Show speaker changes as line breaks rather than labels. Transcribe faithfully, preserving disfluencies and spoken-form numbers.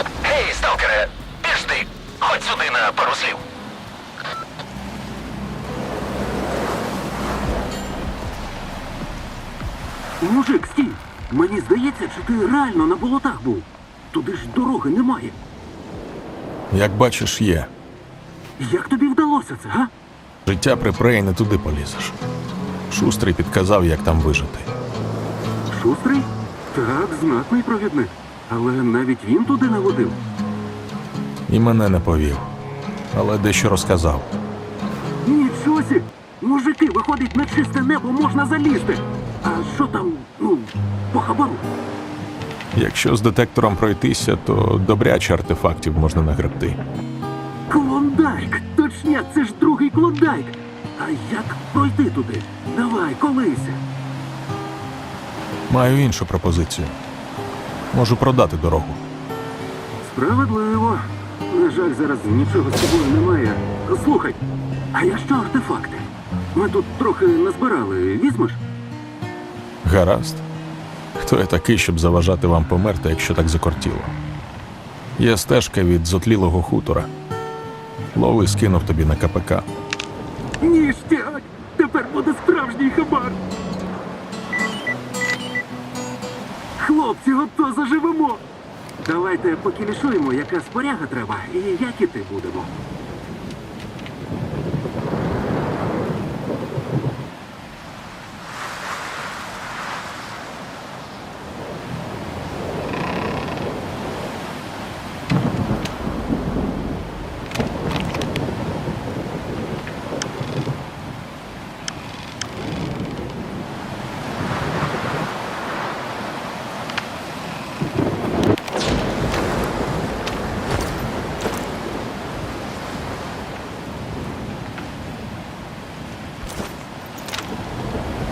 Гей, сталкере, пішли, ходь сюди на пару слів.
Мужик, стій! Мені здається, чи ти реально на болотах був. Туди ж дороги немає.
Як бачиш, є.
Як тобі вдалося це, га?
Життя при преї не туди полізеш. Шустрий підказав, як там вижити.
Шустрий? Так, знатний провідник. Але навіть він туди не водив.
І мене не повів. Але дещо розказав.
Нічого сі! Мужики, виходить, на чисте небо можна залізти. А що там, ну, по хабару?
Якщо з детектором пройтися, то добряче артефактів можна нагребти.
Клондайк! Точняк, це ж другий клондайк! А як пройти туди? Давай, колися.
Маю іншу пропозицію. Можу продати дорогу.
Справедливо. На жаль, зараз нічого з собою немає. Слухай, а якщо артефакти? Ми тут трохи назбирали, візьмеш?
Гаразд. Хто я такий, щоб заважати вам померти, якщо так закортіло? Є стежка від зотлілого хутора. Лови скинув тобі на КПК.
Ніштяк! Тепер буде справжній хабар! Хлопці, ото заживемо! Давайте покілішуємо, яка споряга треба, і як іти будемо.